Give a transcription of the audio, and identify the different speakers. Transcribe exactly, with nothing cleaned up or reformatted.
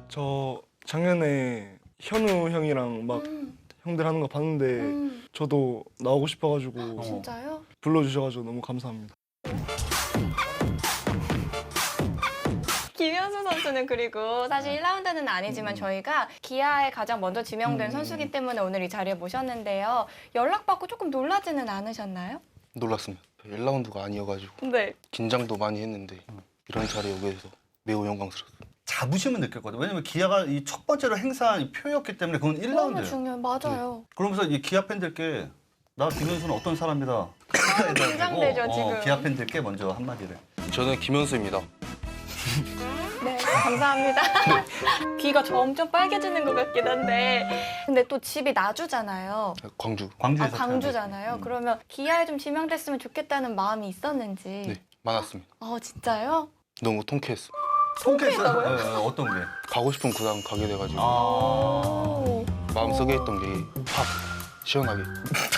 Speaker 1: 저 작년에 현우 형이랑 막
Speaker 2: 음.
Speaker 1: 형들 하는 거 봤는데
Speaker 2: 음.
Speaker 1: 저도 나오고 싶어가지고
Speaker 2: 진짜요?
Speaker 1: 불러주셔가지고 너무 감사합니다.
Speaker 2: 김현수 선수는 그리고 사실 일 라운드는 아니지만 저희가 기아에 가장 먼저 지명된
Speaker 3: 음.
Speaker 2: 선수기 때문에 오늘 이 자리에 모셨는데요. 연락받고 조금 놀라지는 않으셨나요?
Speaker 4: 놀랐습니다. 일 라운드가 아니어가지고
Speaker 2: 네.
Speaker 4: 긴장도 많이 했는데 이런 자리에 오게 돼서 매우 영광스럽습니다.
Speaker 3: 자부심은 느꼈거든요. 왜냐면 기아가 이 첫 번째로 행사한 이 표였기 때문에 그건 일
Speaker 2: 너무
Speaker 3: 라운드예요.
Speaker 2: 중요해요. 맞아요.
Speaker 3: 그러면서 이 기아 팬들께 나 김현수는 어떤 사람이다.
Speaker 2: 긴장되죠,
Speaker 3: 어,
Speaker 2: 지금.
Speaker 3: 기아 팬들께 먼저 한마디를.
Speaker 4: 저는 김현수입니다.
Speaker 2: 네, 감사합니다. 귀가 점점 빨개지는 것 같긴 한데. 근데 또 집이 나주잖아요.
Speaker 4: 광주.
Speaker 2: 아,
Speaker 3: 광주에서
Speaker 2: 광주잖아요.
Speaker 3: 음.
Speaker 2: 그러면 기아에 좀 지명됐으면 좋겠다는 마음이 있었는지.
Speaker 4: 네, 많았습니다.
Speaker 2: 어, 진짜요?
Speaker 4: 너무 통쾌했어.
Speaker 3: 통쾌했다고요? 어, 어떤 게?
Speaker 4: 가고 싶은 구단 가게 돼가지고
Speaker 3: 아.
Speaker 2: 오.
Speaker 4: 마음속에 있던 게 확 시원하게